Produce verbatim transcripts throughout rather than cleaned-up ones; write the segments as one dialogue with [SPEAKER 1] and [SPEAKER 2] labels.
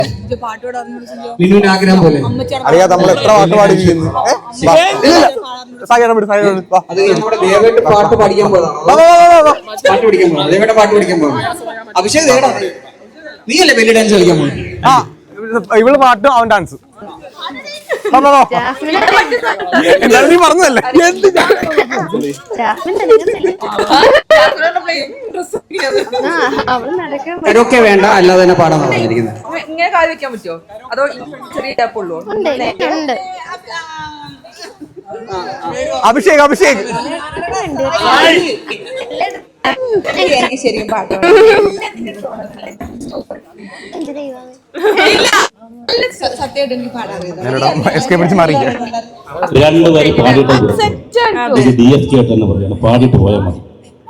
[SPEAKER 1] മിനുവിന് ആഗ്രഹം പോലെ
[SPEAKER 2] അറിയാം നമ്മൾ എത്ര പാട്ട് പാടിയിരിക്കുന്നു.
[SPEAKER 1] അത് നമ്മുടെ ദേവേട്ട് പാട്ട് പഠിക്കാൻ പോയതാണ്. പാട്ട് പഠിക്കാൻ പോകണം. ദേവേട്ട പാട്ട് പഠിക്കാൻ പോകണം. അഭിഷേക് ദേടാ നീ അല്ലേ വലിയ ഡാൻസ് കളിക്കാൻ പോകും?
[SPEAKER 2] ആ ഇവള് പാട്ടും അവൻ ഡാൻസ്. എന്തായാലും നീ പറഞ്ഞതല്ലേ.
[SPEAKER 1] കരോക്കെ വേണ്ട, അല്ലാതെ തന്നെ പാടാൻ പറഞ്ഞിരിക്കുന്നത്.
[SPEAKER 3] ഇങ്ങനെ കാല് വെക്കാൻ പറ്റുമോ അതോ ചെറിയ ടാപ്പുള്ളൂ?
[SPEAKER 2] അഭിഷേക് അഭിഷേക്
[SPEAKER 3] എനിക്ക് ശരിയും പാട്ടോ സത്യമായിട്ട് എനിക്ക് പാടാറിയത്
[SPEAKER 4] രണ്ട് വരി പാടിയിട്ട് ഡി എഫ് കെ ആയിട്ട് തന്നെ പറയാണ്, പാടിയിട്ട് പോയാൽ മതി.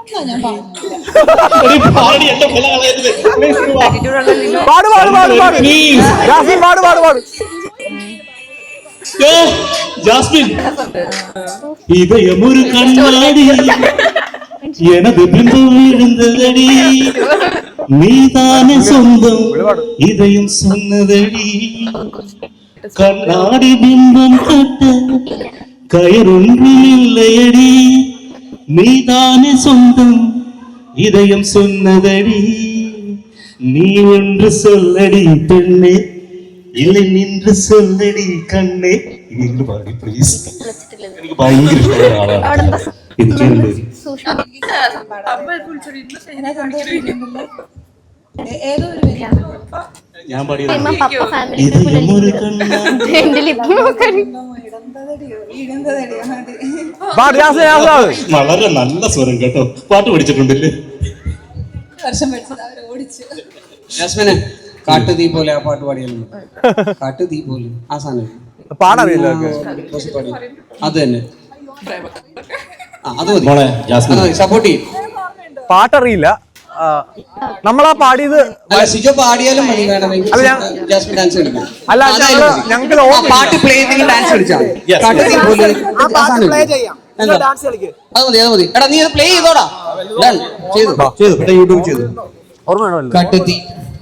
[SPEAKER 4] ജാസ്മിൻ இதயமொரு கண்ணாடி எனது பிம்பம் விழுந்ததடி நீதானே சொந்தம் இதயம் சொன்னதடி கண்ணாடி பிம்பம் கட்ட கயறொன்றும் இல்லையடி நீதானே சொந்தம் இதயம் சொன்னதடி நீ ஒன்று சொல்லடி பெண்ணே இல்லை நின்று சொல்லடி കണ്ണേ. ഇനി പാടി പ്ലീസ്. എനിക്ക് ഭയങ്കര ഇഷ്ടമുള്ള ആളാണ്. ഞാൻ പാടിയത് വളരെ നല്ല സ്വരം കേട്ടോ. പാട്ട് പഠിച്ചിട്ടുണ്ടല്ലേ?
[SPEAKER 1] ജാസ്മിനെ കാട്ടു തീ പോലെ ആ പാട്ട് പാടിയാലും കാട്ടു തീ പോലെ ആ സാധനം
[SPEAKER 2] പാടറിയില്ല.
[SPEAKER 1] അത് തന്നെ
[SPEAKER 2] സപ്പോർട്ട് ചെയ്യും. പാട്ടറിയില്ല. നമ്മളാ പാടിയത്
[SPEAKER 1] സിജോ പാടിയാലും മതി. വേണമെങ്കിൽ ജാസ്മിൻ ഡാൻസ് കളിക്കും.
[SPEAKER 2] അല്ല ഞങ്ങൾക്ക്
[SPEAKER 1] പാട്ട് പ്ലേ ചെയ്തെങ്കിൽ ഡാൻസ് കളിച്ചാൽ കാട്ടു തീ പോലെ അത് മതി അത് മതി. എടാ നീ അത് പ്ലേ ചെയ്തോടാ. ചെയ്തു ചെയ്തു യൂട്യൂബ് ചെയ്തു.
[SPEAKER 2] ഓർമ്മ
[SPEAKER 1] കാട്ടു തീ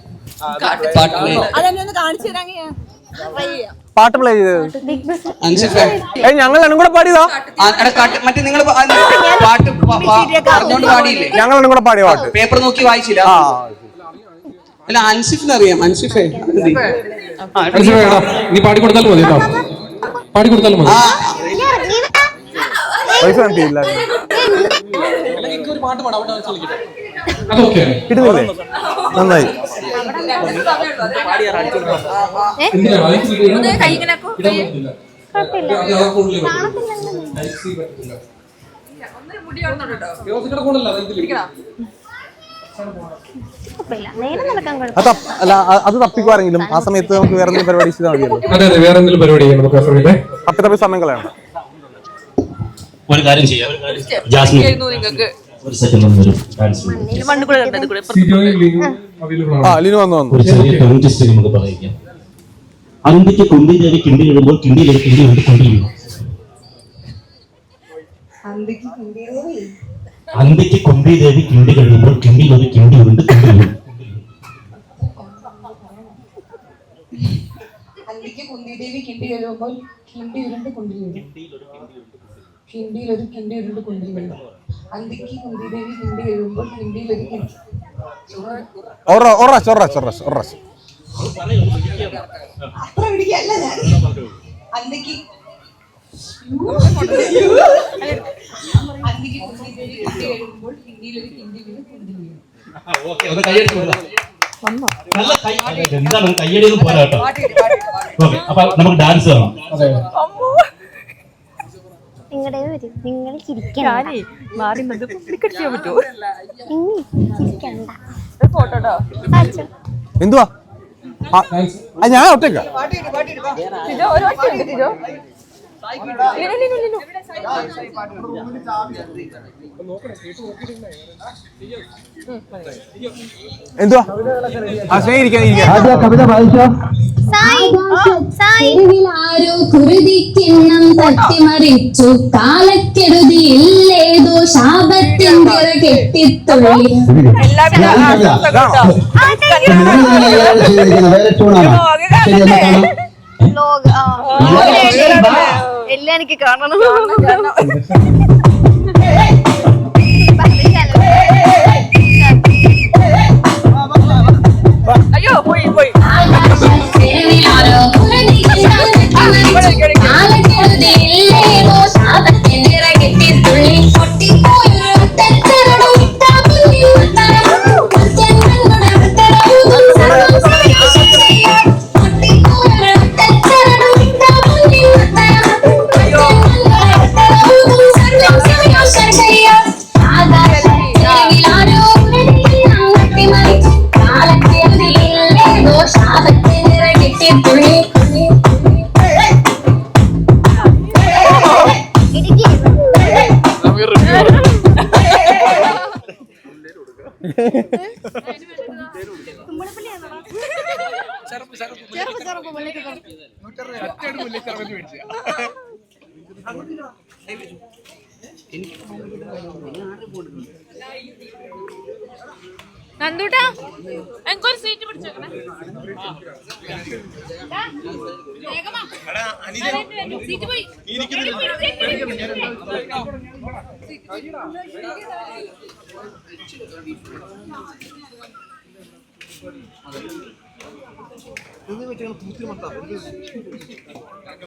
[SPEAKER 2] പാട്ട് പ്ലേ ചെയ്തത് ഞങ്ങൾ രണ്ടും കൂടെ പാടിയതാ.
[SPEAKER 1] മറ്റേ നിങ്ങൾ പാട്ട് പറഞ്ഞോണ്ട് പാടിയില്ലേ?
[SPEAKER 2] ഞങ്ങൾ രണ്ടും കൂടെ പാടിയ പാട്ട്
[SPEAKER 1] പേപ്പർ നോക്കി വായിച്ചില്ല. അല്ല അൻസിഫിന് അറിയാം. അൻസിഫേ
[SPEAKER 5] നീ പാടിക്കൊടുത്താലും മതി കേട്ടോ. പാടിക്കൊടുത്താലും മതി.
[SPEAKER 2] പൈസ കണ്ടില്ല കിട്ടുന്നില്ലേ? നന്നായി. അല്ല അത് തപ്പിക്കുവാരെങ്കിലും ആ സമയത്ത് നമുക്ക് വേറെ എന്തെങ്കിലും പരിപാടി ചെയ്താൽ മതിയല്ലോ.
[SPEAKER 5] അതെ അതെ വേറെ എന്തെങ്കിലും പരിപാടി ചെയ്യാം നമുക്ക്.
[SPEAKER 2] തപ്പി തപ്പി സമയം കളയണം.
[SPEAKER 4] ഒരു കാര്യം ചെയ്യാം. ജാസ്മിൻ ഒരു സെക്കൻഡ് ഒന്ന് വരും. ഒരു ചെറിയ ടങ് ടെസ്റ്റ് നമുക്ക് പറയാം. അന്തിക്ക് കുന്തി ദേവി കിണ്ടി ഇടുമ്പോൾ കിണ്ടിയിൽ ഒരു കിണ്ടി കൊണ്ട് കൊണ്ടിരിക്കുന്നു. അന്തിക്ക് കുന്തി ദേവി കിണ്ടി കഴിയുമ്പോൾ കിണ്ടിയിൽ ഒരു കിണ്ടി ഉണ്ട് കൊണ്ടിരിക്കുന്നു.
[SPEAKER 3] അന്തിക്ക് കുന്തി ദേവി കിണ്ടി കഴിയുമ്പോൾ കിണ്ടി ഉരുണ്ട് കൊണ്ടിരിക്കുന്നു. കിണ്ടിയിൽ ഒരു കിണ്ടി ഉരുണ്ട് കൊണ്ടിരിക്കുന്നു. അന്തിക്ക് കുന്തി ദേവി കിണ്ടി കഴിയുമ്പോൾ കിണ്ടിയിൽ ഒരു കിണ്ടി. അത്ര പിടിക്കല്ല ഞാൻ. അന്തിക്ക് അന്തിക്ക് കുന്തി ദേവി കിണ്ടി കഴിയുമ്പോൾ കിണ്ടിയിൽ ഒരു കിണ്ടി വീണ് കൊണ്ടിരിക്കുന്നു.
[SPEAKER 4] എന്താണ് കയ്യടിയൊന്നും പോരാ കേട്ടോ. അപ്പൊ നമുക്ക് ഡാൻസ് കാണാം.
[SPEAKER 2] എന്തുവാ ഞാൻ ഒറ്റക്ക എന്തുവാ ആ സ്നേഹിക്കാൻ
[SPEAKER 6] കവിത വായിച്ചോ. ആരോ കുരുതിക്കിണ്ണം തട്ടിമറിച്ചു കാലക്കെടുതിയില്ലേതോ ശാപത്തിൻ്റെ കെട്ടിത്തുള്ളി.
[SPEAKER 7] എല്ലാം എനിക്ക് കാണണം. അയ്യോ പോയി പോയി.
[SPEAKER 6] കാലക്കെടുതിയില്ലേതോ ശാപത്തിൻ്റെ കെട്ടിത്തുള്ളി. പൊട്ടിപ്പോയൊരു തെറ്റരടും
[SPEAKER 7] നന്ദൂട്ടാ എനിക്കൊരു സീറ്റ് പിടിച്ചേക്കണേ. സീറ്റ് പോയി.